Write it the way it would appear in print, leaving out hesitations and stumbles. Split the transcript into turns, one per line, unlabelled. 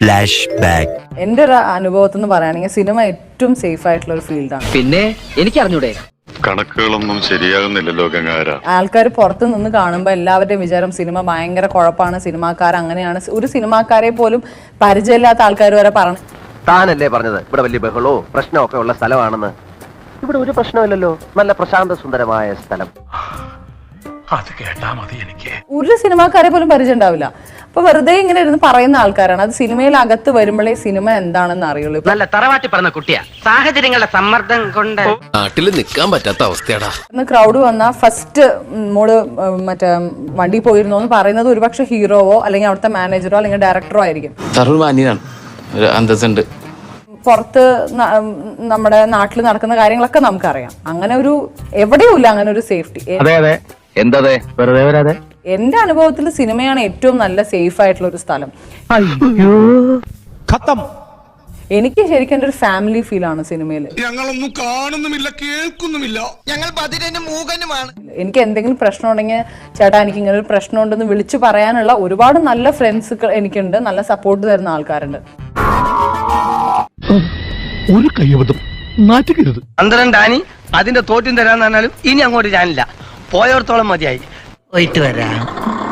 Flash back.
എന്റെ ഒരു അനുഭവത്തിൽ നിന്ന് പറയുകയാണെങ്കിൽ സിനിമ ഏറ്റവും സേഫ് ആയിട്ടുള്ള ഒരു ഫീൽഡാണ്.
പിന്നെ എനിക്ക് അറിഞ്ഞൂടെ,
കണക്കുകളൊന്നും ശരിയാകുന്നില്ലല്ലോ ഗംഗാര.
ആൾക്കാർ പുറത്ത് നിന്ന് കാണുമ്പോൾ എല്ലാവരുടെയും വിചാരം സിനിമ ഭയങ്കര കുഴപ്പമാണ്, സിനിമാക്കാർ അങ്ങനെയാണ്. ഒരു സിനിമാക്കാരെ പോലും പരിചയമില്ലാത്ത ആൾക്കാർ വരെ പറഞ്ഞു.
താനല്ലേ പറഞ്ഞത് ഇവിടെ വലിയ ബഹളോ പ്രശ്നമൊക്കെ ഉള്ള സ്ഥലമാണെന്ന്? ഇവിടെ ഒരു പ്രശ്നമില്ലല്ലോ, നല്ല പ്രശാന്ത സുന്ദരമായ സ്ഥലം.
അത് കേട്ടാ മതി എനിക്ക്.
ഒരു സിനിമാക്കാരെ പോലും പരിചയം ഉണ്ടാവില്ല. അപ്പൊ വെറുതെ ഇങ്ങനെ ഇരുന്ന് പറയുന്ന ആൾക്കാരാണ്. അത് സിനിമയിൽ അകത്ത് വരുമ്പോഴേ സിനിമ എന്താണെന്ന് അറിയുള്ളൂ.
നല്ല തറവാട്ടി പറഞ്ഞ കുട്ടിയാ, സാഹചര്യങ്ങളുടെ സമ്മർദ്ദം കൊണ്ട്
നാട്ടിൽ നിൽക്കാൻ പറ്റാത്ത അവസ്ഥയാടാ.
ക്രൗഡ് വന്ന ഫസ്റ്റ് മോള് മറ്റേ വണ്ടി പോയിരുന്നു എന്ന് പറയുന്നത് ഒരുപക്ഷെ ഹീറോവോ അല്ലെങ്കിൽ അവിടുത്തെ മാനേജറോ അല്ലെങ്കിൽ ഡയറക്ടറോ ആയിരിക്കും. പുറത്ത് നമ്മുടെ നാട്ടിൽ നടക്കുന്ന കാര്യങ്ങളൊക്കെ നമുക്കറിയാം. അങ്ങനെ ഒരു എവിടെയും ഇല്ല അങ്ങനെ ഒരു സേഫ്റ്റി. എന്റെ അനുഭവത്തിൽ സിനിമയാണ് ഏറ്റവും നല്ല സേഫ് ആയിട്ടുള്ള ഒരു സ്ഥലം. എനിക്ക് ശരിക്കും എന്റെ ഒരു ഫാമിലി ഫീൽ ആണ് സിനിമയിൽ.
ഞങ്ങളൊന്നും കാണുന്നുമില്ല, കേൾക്കുന്നുമില്ല, ഞങ്ങൾ മൂകനുമാണ്.
എനിക്ക് എന്തെങ്കിലും പ്രശ്നം ഉണ്ടെങ്കിൽ ചേട്ടാ എനിക്ക് ഇങ്ങനെ ഒരു പ്രശ്നം ഉണ്ടെന്ന് വിളിച്ചു പറയാനുള്ള ഒരുപാട് നല്ല ഫ്രണ്ട്സ് എനിക്കുണ്ട്, നല്ല സപ്പോർട്ട് തരുന്ന ആൾക്കാരുണ്ട്.
ഒരു കയ്യബദ്ധം നാറ്റുകരുത്.
പന്ത്രണ്ടാനി അതിന്റെ തോറ്റും തരാന്ന് പറഞ്ഞാലും ഇനി അങ്ങോട്ട് ഞാനില്ല, പോയോടത്തോളം മതിയായി. പോയിട്ട് വരാം.